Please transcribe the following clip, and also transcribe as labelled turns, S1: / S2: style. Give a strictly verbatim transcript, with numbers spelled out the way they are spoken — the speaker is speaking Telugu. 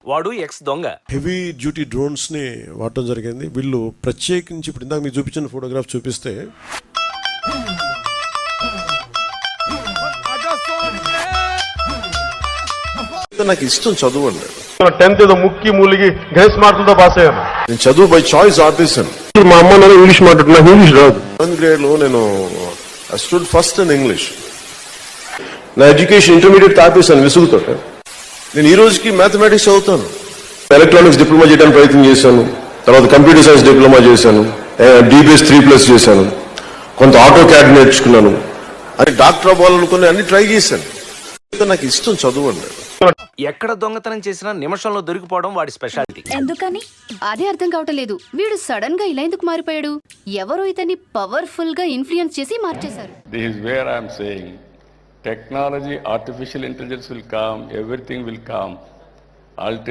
S1: వాడు ఎక్స్ దొంగ.
S2: హెవీ డ్యూటీ డ్రోన్స్ ని వాడటం జరిగింది. వీళ్ళు ప్రత్యేకించి ఇప్పుడు ఇందాక మీకు చూపించిన ఫోటోగ్రాఫ్ చూపిస్తే నాకు ఇష్టం చదువు అండి.
S3: టెన్త్ ఏదో ముక్కి మూలిగి గ్రేస్ మార్కులతో పాస్ అయ్యాను.
S2: నేను చదువు బై చాయిస్ ఆపేసాను.
S3: మా అమ్మ నేను ఇంగ్లీష్ మాట్లాడుతున్నా, ఇంగ్లీష్ రాదు.
S2: సెవెంత్ గ్రేడ్ లో నేను స్టూడ్ ఫస్ట్ ఇన్ ఇంగ్లీష్.
S3: నా ఎడ్యుకేషన్ ఇంటర్మీడియట్ ఆపేసాను విసుగుతో.
S2: నేను ఈ రోజుకి మ్యాథమెటిక్స్ చదువుతాను.
S3: ఎలక్ట్రానిక్స్ డిప్లొమా చేయడానికి ప్రయత్నం చేశాను. తర్వాత కంప్యూటర్ సైన్స్ డిప్లొమా చేశాను. డిబిఎస్ త్రీ ప్లస్ చేశాను. కొంత ఆటో క్యాడ్ నేర్చుకున్నాను.
S2: అది డాక్టర్ అవ్వాలనుకుని అన్ని ట్రై చేశాను. నాకు ఇష్టం చదువు అండి.
S1: ఎక్కడ దొంగతనం చేసినా నిమిషంలో దొరికిపోవడం వాడి స్పెషాలిటీ.
S4: ఎందుకని అదే అర్థం కావటం లేదు. వీడు సడన్ గా ఇలా ఎందుకు మారిపోయాడు? ఎవరో ఇతన్ని పవర్ఫుల్ గా ఇన్ఫ్లుయెన్స్ చేసి మార్చేశారు.
S5: This is where I am saying technology, artificial intelligence will come, everything will come.